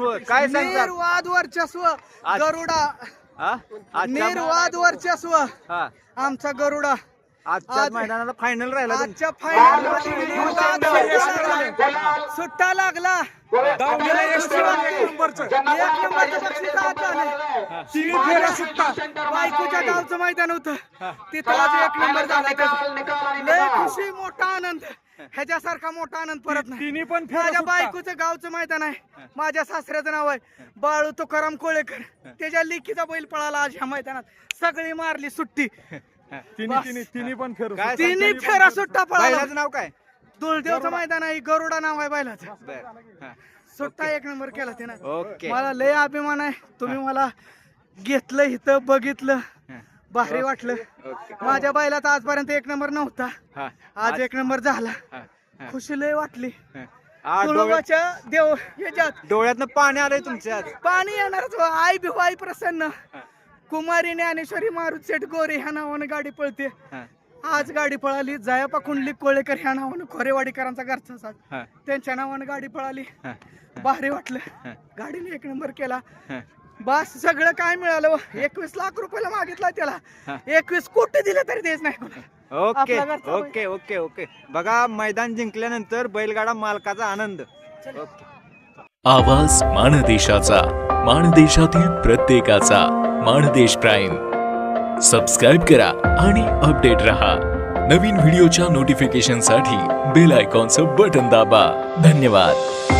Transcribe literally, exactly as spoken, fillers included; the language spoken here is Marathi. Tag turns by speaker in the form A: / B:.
A: वर्चस्व काय सांगतात?
B: निर्वाद वर्चस्व
A: आज-
B: गरुडा
A: हा? आजच्या
B: निर्वाद वर्चस्व
A: हा
B: आमचा गरुडा
A: आजच्या
B: आज-
A: मैदानाला फायनल राहिला तुमचा.
B: आजच्या फायनल सुट्टा लागला. एक नंबरचं बक्षीस आज झालं. बायकोच्या गावचं मैदान होतं तिथं आज एक नंबर झाला त्याचा. लय खुशी मोठा आनंद ह्याच्यासारखा मोठा आनंद परत नाही.
C: तिन्ही पण फेरा
B: माझ्या
C: सुटला.
B: बायकोचं गावचं मैदान आहे. माझ्या सासऱ्याचं नाव आहे बाळू तुकाराम कोळेकर. त्याच्या लेकीचा बैल पळाला आज ह्या मैदानात. सगळी मारली सुट्टी.
C: तिन्ही तिन्ही तिन्ही पण फेर
A: काय
B: तिन्ही फेरा सुट्टा पळाला.
A: बैलाचं नाव काय?
B: दुलदेवचं मैदान आहे. गरुडा नाव आहे बैलाचं.
A: बर हा.
B: सुट्टा एक नंबर केला त्यानं.
A: ओके
B: मला लय अभिमान आहे. तुम्ही मला घेतलं इथं बघितलं भारी वाटलं.
A: ओके
B: माझ्या बैलाचा आजपर्यंत एक नंबर नव्हता.
A: हा
B: आज एक नंबर झाला.
A: हा, हा,
B: खुशी लय वाटली.
A: हा. आज डोळ्यात
B: तुळोबाच्या देव याच्यात
A: डोळ्यातनं पाणी आलंय तुमच्या आज.
B: पाणी येणारच हो. आई भिवाई प्रसन्न कुमारी ज्ञानेश्वरी मारुत सेठ गोरे ह्या नावानं गाडी पळते.
A: हा,
B: आज गाडी पळाली. जयापा कुंडली कोळेकर ह्या नावानं खोरेवाडीकरांचा घरचा साथ
A: हा,
B: त्यांच्या नावानं गाडी पळाली.
A: हा,
B: भारी वाटलं. गाडीने एक नंबर केला.
A: हा.
B: बस सगळं काय मिळालं. एकवीस लाख रुपयाला मागितला त्याला. एकवीस कोटी दिले तरी देच नाही कोणाला.
A: ओके
B: आपला घरचा बैल.
A: ओके ओके ओके बघा मैदान जिंकल्यानंतर बैलगाडा मालकाचा आनंद. ओके
D: आवाज माणदेशाचा, माणदेशातील प्रत्येकाचा. माणदेश प्राईम सबस्क्राईब करा आणि अपडेट रहा. नवीन व्हिडिओच्या नोटिफिकेशनसाठी बेल आयकॉनचं बटन दाबा. धन्यवाद.